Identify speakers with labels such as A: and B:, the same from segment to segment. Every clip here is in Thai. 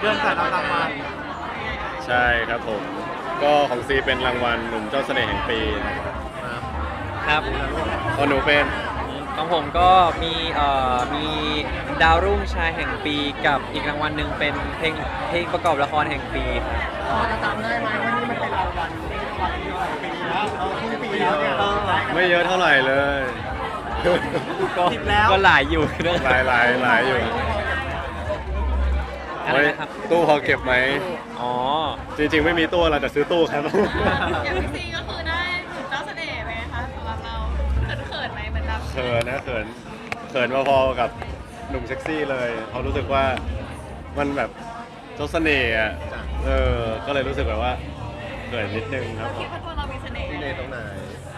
A: พื่อนสารรับรางวัล
B: ใช่ครับผมก็ของซีเป็นรางวัลหนุ่มเจ้าเสน่ห์แห่งปีนะครับ
C: ครับ
B: พอหนูเป็น
C: ของผมก็มีดาวรุ่งชายแห่งปีกับอีกรางวัลหนึ่งเป็นเพลงประกอบละครแห่งปีครับ
A: พอจะจำได้ไหมว่านี่มันเป็นรางวัลปีแล้วครึ่งปีแล้วเนี่ย
B: ไม่เยอะเท่าไหร่เลย
A: สิบแล้ว
C: ก็หลายอยู่นะ
B: หลายอยู่
C: อะไรนะครับ
B: ตู้พอเก็บไหม
C: อ๋อ
B: จริงๆไม่มีตู้เราจะซื้อตู้ครับ
D: อย่างพี่ซีก็คือได้หนุ่มเจ้าเสน่ห์ไหมคะสำหรับเราเขินไหมเหมือนแบบ
B: เขินนะเขินพอๆกับหนุ่มเซ็กซี่เลยเขารู้สึกว่ามันแบบเจ้าเสน่ห์อ่ะก็เลยรู้สึกแบบว่าเขินนิดนึงครับผ
D: คิด
B: ม
D: ว่าตัวเรามีเสน่ห์
A: ที่ในตรงไหน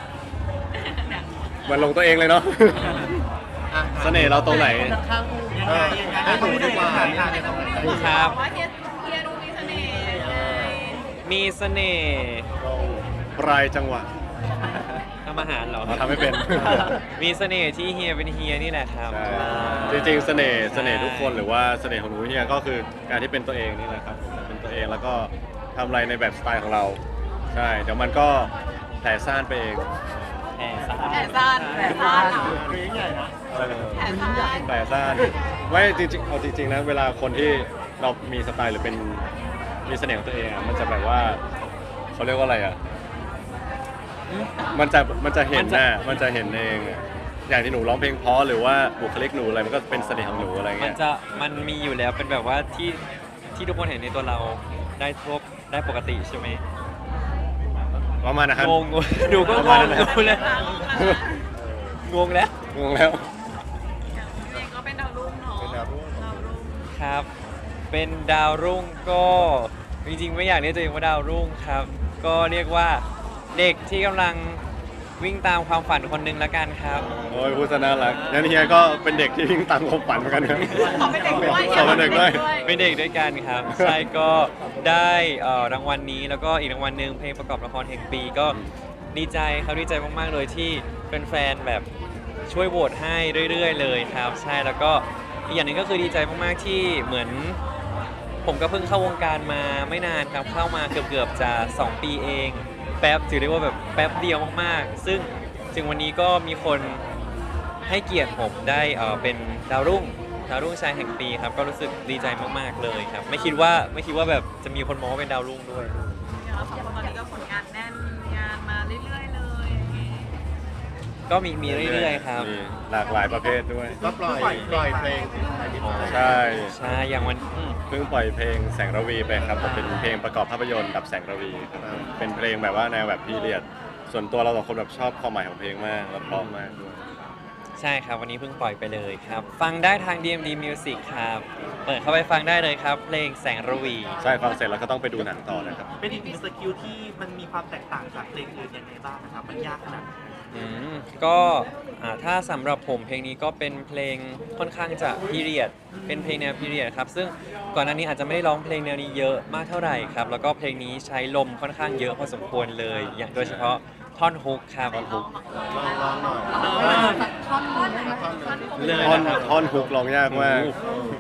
B: มันลงตัวเองเลยเนาะ เสน่ห์เราตรงไหน
A: ให้หนูดีกว่านี่ในตรงไหน
C: ครับ
D: ว่าเฮียดูมีเสน่ห์ยังไง
C: มีเสน่ห์
B: ปลายจังหวะ
C: ทำอาหารเหรอ
B: เราทำไม่เป็น
C: มีเสน่ห์ที่เฮียเป็นเฮียนี่แหละครับ
B: ใช่จริงๆเสน่ห์ทุกคนหรือว่าเสน่ห์ของหนูเนี่ยก็คือการที่เป็นตัวเองนี่แหละครับเป็นตัวเองแล้วก็ทำอะไรในแบบสไตล์ของเราใช่เดี๋ยวมันก็แผ่ซ่านไปเอง
C: แอบซ่า
D: แผลซ่านแผลซ่านเหรอ
A: เพลงใหญ่นะ
D: แผลซ่าน
B: แผ่ซ่านไม่จริงๆเอาจริงๆนะเวลาคนที่เรามีสไตล์หรือเป็นมีเสน่ห์ของตัวเองอะมันจะแบบว่าเขาเรียกว่าอะไรอ่ะมันจะเห็นน่ะมันจะเห็นเองอะอย่างที่หนูร้องเพลงเพราะหรือว่าบุคลิกหนูอะไรมันก็เป็นเสน่ห์ของหนูอะไร
C: มัน
B: เงี้ย
C: มันมีอยู่แล้วเป็นแบบว่าที่ทุกคนเห็นในตัวเราได้ปกติใช่ไหม
B: ประมาณนะครับ
C: งงดูก็
B: ประ
C: ง
B: มาณ
C: ง
B: นั้นแหละ
C: ดูเลยงงแล้ว
B: งงแล้ว
D: เองก็เป็นดาวรุ่งเนาะ
A: เป็นดาวรุ่ง
D: ดาวรุ่ง
C: ครับ เป็นดาวรุ่งก็จริงๆไม่อยากเรียกตัวเองว่าดาวรุ่งครับ ก็เรียกว่าเด็กที่กำลังวิ่งตามความฝันคนหนึ่งละกันครับ
B: โอ้ยพูดซะน่ารักงั้นเฮียก็เป็นเด็กที่วิ่งตามความฝันเหมือนกันครับ
D: ขอเป็นเด็กด้วย
B: ขอเป็นเด็กด้วย
C: เป็นเด็กด้วยกันครับ ใช่ก็ได้รางวัลนี้แล้วก็อีกรางวัลหนึ่งเพลงประกอบละครแห่งปีก็ดีใจครับดีใจมากๆเลยที่แฟนๆแบบช่วยโหวตให้เรื่อยๆเลยครับ ใช่แล้วก็อีกอย่างหนึ่งก็คือดีใจมากๆที่เหมือนผมก็เพิ่งเข้าวงการมาไม่นานครับเข้ามาเกือบๆจะ2 ปีเองแป๊บถือได้ว่าแบบแป๊บเดียวมากๆ ซึ่งถึงวันนี้ก็มีคนให้เกียรติผมได้เป็นดาวรุ่งชายแห่งปีครับก็รู้สึกดีใจมากๆเลยครับไม่คิดว่าแบบจะมีคนมองว่าเป็นดาวรุ่งด้วย
D: เดี๋ยวเราสองคนตอนนี้ก็ผลงานแน่นงานมาเรื่อยๆเลยอย่างงี้
C: ก็มีเรื่อยๆครับ
B: มีหลากหลายประเภทด้วย
A: ก็ปล่อยเพลงอะไรที่ผ่าน
B: ใช่
C: ใช่อย่างวัน
B: เพิ่งปล่อยเพลงแสงระวีไปครับผมเป็นเพลงประกอบภาพยนตร์ดับแสงระวีครับเป็นเพลงแบบว่าแนวแบบพีเรียดส่วนตัวเราสองคนแบบชอบความหมายของเพลงมากแล้วเพราะมากด้วย
C: ใช่ครับวันนี้เพิ่งปล่อยไปเลยครับ ฟังได้ทาง DMD Music ครับเปิดเข้าไปฟังได้เลยครับ เพลงแสงระวี
B: ใช่ฟังเสร็จแล้วก็ต้องไปดูหนังต่อนะครับ
E: เป็นอีกหนึ่งสกิลที่มันมีความแตกต่างจากเพลงอื่นยังไงบ้างนะครับ มันยากขนาดไหน
C: ก็ถ้าสำหรับผมเพลงนี้ก็เป็นเพลงค่อนข้างจะพีเรียดเป็นเพลงแนวพีเรียดครับซึ่งก่อนหน้านี้อาจจะไม่ได้ร้องเพลงแนวนี้เยอะมากเท่าไหร่ครับแล้วก็เพลงนี้ใช้ลมค่อนข้างเยอะพอสมควรเลย อย่างโดยเฉพาะท่อนฮุกครับท่อนฮุก
A: ลองหน่อย
D: ท่อนท่อน
C: เลย
B: ท่อน
C: นะครับ
B: ท่อนฮุกร้องยากมาก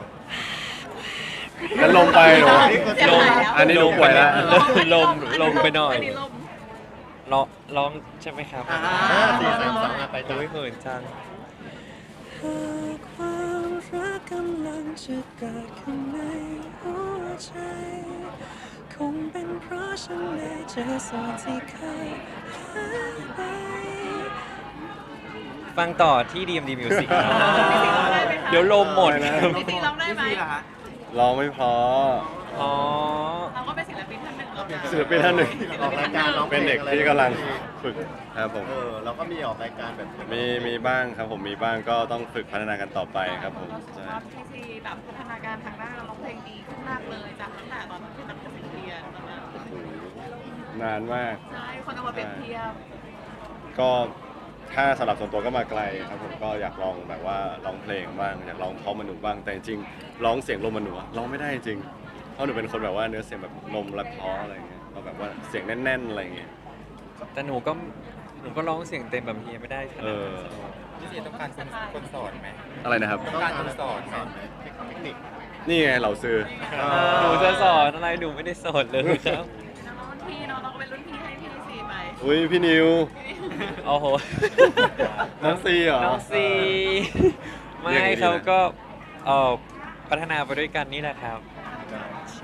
B: แล้วลงไปเหรอ
C: ลม
B: อันนี้หนูป่วยแล้ว
C: ลมไปหน่อย
D: อันนี้ลม
C: ร้องใช่ไหมครับ
A: 4 3 2ไปจ้ะ
C: โอ้ยเหินจังความรักกำลังจะเกิดขึ้นในหัวใจคงเป็นเพราะฉันได้เจอส่วนที่เคยหายไปฟังต่อที่ DMD Music ครับเดี๋ยวลมหมดครับ
D: พี่ซีร้องได้ไหม
E: นี่ล่ะฮะ
B: ร้องไม่พอ
C: อ๋อ
D: เราก็เป็นศิลปินท่านหนึ่งแล้วนะ
B: ศิลปินท่านหนึ่ง
A: ออกรายการร้องพล
B: เป็นเด็กที่กำลังฝึกครับผม
A: เราก็มีออกรายการแบบ
B: มีบ้างครับผมมีบ้างก็ต้องฝึกพัฒนากันต่อไปครับผมใช่
D: ว่าพี่ซีแบบพัฒนาการทางด้านการร้องเพลงดีขึ้นมากเลยจากตั้งแต่ตอนที่ตั้งแต่เรียนตอนนั้น
B: นานมาก
D: ใช่คนเอามาเปรียบเทียบ
B: ก็ถ้าสำหรับส่วนตัวก็มาไกลครับผมก็อยากลองแบบว่าร้องเพลงบ้างอยากร้องเพราะมนุษย์บ้างแต่จริงๆร้องเสียงลมมนุษย์ร้องไม่ได้จริงเพราะหนูเป็นคนแบบว่าเนื้อเสียงแบบลมและเพราะอะไรเงี้ยเราแบบว่าเสียงแน่นๆอะไรเงี้ย
C: แต่หนูก็ร้องเสียงเต็มแบบเฮียไม่ได้ขนาดนั้น
E: พี่เจต้องการคนสอนไหม
B: อะไรนะครับ
A: ต้องการคนสอนไหมเทคนิค
B: นี่ไงเราซื้อ
C: หนูจะสอนอะไรหนูไม่ได้สอนเลยครับ
D: น้องรุ่นพี่น้องก็เป็นรุ่นพี่ให้พี่ซีไป
B: อุ้ยพี่นิว
C: โอ้โห
B: น้องซีเหรอ
C: น้องซี ไม่
B: เรียกอย่างนี้
C: เขา
B: นะ
C: ก็พัฒนาไปด้วยกันนี่แหละครับ ใช่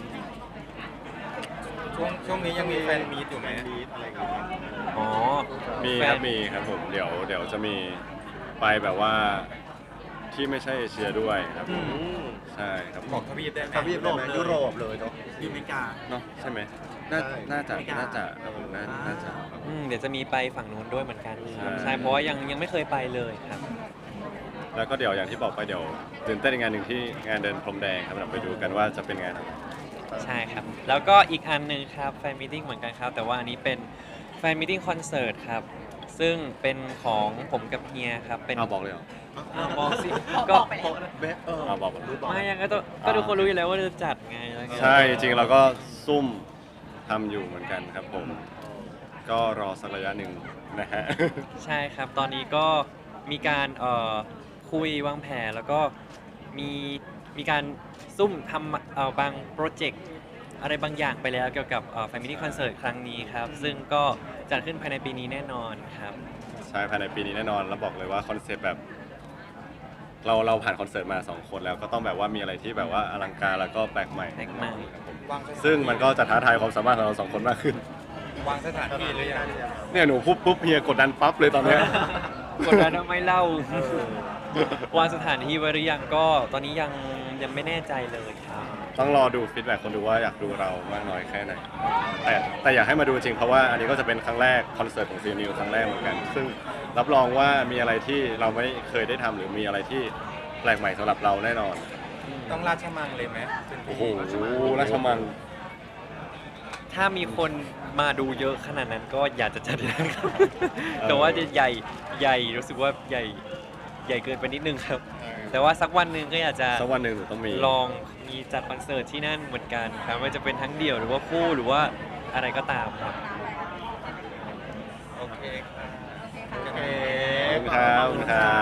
A: ช่วงนี้ยังมีแฟนมีตอยู่ไหมมีตอะไรอย่างเงี้ย
C: อ๋อ
B: มี
C: แฟ
B: ครั
C: น
B: บมีครับผมเดี๋ยวจะมีไปแบบว่าที่ไม่ใช่เอเชียด้วยครับผมใช่ครับ
A: บอกทวีปได้ไหม
E: ทวีปโลกเลย
A: ยุโรปเลยเนาะ
E: อเมริกา
B: เนาะใช่ไหมน่า
A: ใช่
B: น่าจะ
E: อเมริกา
B: น่าจะครับผมน่าจะ
C: เดี๋ยวจะมีไปฝั่งนู้นด้วยเหมือนกันครับ
B: ใช่
C: ใช่เพราะว่ายังไม่เคยไปเลยครับ
B: แล้วก็เดี๋ยวอย่างที่บอกไปเดี๋ยวตื่นเต้นอีกงานหนึ่งที่งานเดินพรมแดงครับเราไปดูกันว่าจะเป็นงานอะไร
C: ใช่ครับ แล้วก็อีกอันหนึ่งครับแฟนมิทติ้งเหมือนกันครับ แต่ว่าอันนี้เป็นแฟนมิทติ้งคอนเสิร์ตครับ ซึ่งเป็นของผมกับเฮียครับ เป็น
B: เอาบอกเลยเหรอ
C: บอกสิ
D: บ
C: ก็
D: อกไปแล้ว
B: เอาบอก
C: ไม่ยังก็ต้องก็ทุกคนรู้อยู่แล้วว่าจะจัดไงแล้วก็
B: ใช่จริงๆเราก็ซุ่มทำอยู่เหมือนกันครับผม ก็รอสักระยะหนึ่งนะฮะ
C: ใช่ครับ ตอนนี้ก็มีการคุยวางแผนแล้วก็มีการซุ่มทำบางโปรเจกต์อะไรบางอย่างไปแล้วเกี่ยวกับFamily Concert ครั้งนี้ครับ ซึ่งก็จัดขึ้นภายในปีนี้แน่นอนครับ
B: ใช่ภายในปีนี้แน่นอนแล้วบอกเลยว่าคอนเซปต์แบบเราผ่านคอนเสิร์ตมา 2 คนแล้วก็ต้องแบบว่ามีอะไรที่แบบว่าอลังการแล้วก็แปลกใหม่
C: แปลกใหม่
B: ครับผม
A: วางสถาน
B: ซึ่งมันก็จะท้าทายความสามารถของเรา 2 คนมากขึ้น
A: วางสถานที่หรือยัง
B: เนี่ยหนูปุ๊บเฮียกดดันปั๊บเลยตอนเนี้ย
C: กดดันทำไมเล่า วางสถานที่ไว้หรือยังก็ตอนนี้ยังไม่แน่ใจเลยครับ
B: ต้องรอดูฟีดแบ็กคนดูว่าอยากดูเรามากน้อยแค่ไหนแต่อยากให้มาดูจริงเพราะว่าอันนี้ก็จะเป็นครั้งแรกคอนเสิร์ตของซีนิวครั้งแรกเหมือนกัน ซึ่งรับรองว่ามีอะไรที่เราไม่เคยได้ทำหรือมีอะไรที่แปลกใหม่สำหรับเราแน่นอน
A: ต้องราชมังเลยไหมเป็น
B: โอ้โหราชมัง
C: ถ้ามีคนมาดูเยอะขนาดนั้นก็อยากจะจัดนะครับ แต่ว่าจะใหญ่รู้สึกว่าใหญ่เกินไปนิดนึงครับ แต่ว่าสักวันหนึ่งก็อยากจะ
B: สักวันหนึ่งหนูต้องมี
C: ลองมีจัดคอนเสิร์ตที่นั่นเหมือนกันครับไม่ว่าจะเป็นทั้งเดี่ยวหรือว่าคู่หรือว่าอะไรก็ตามครับ
A: โอเคครับ
D: โอเคค่ะ
A: โอเค
B: ขอบคุณครับ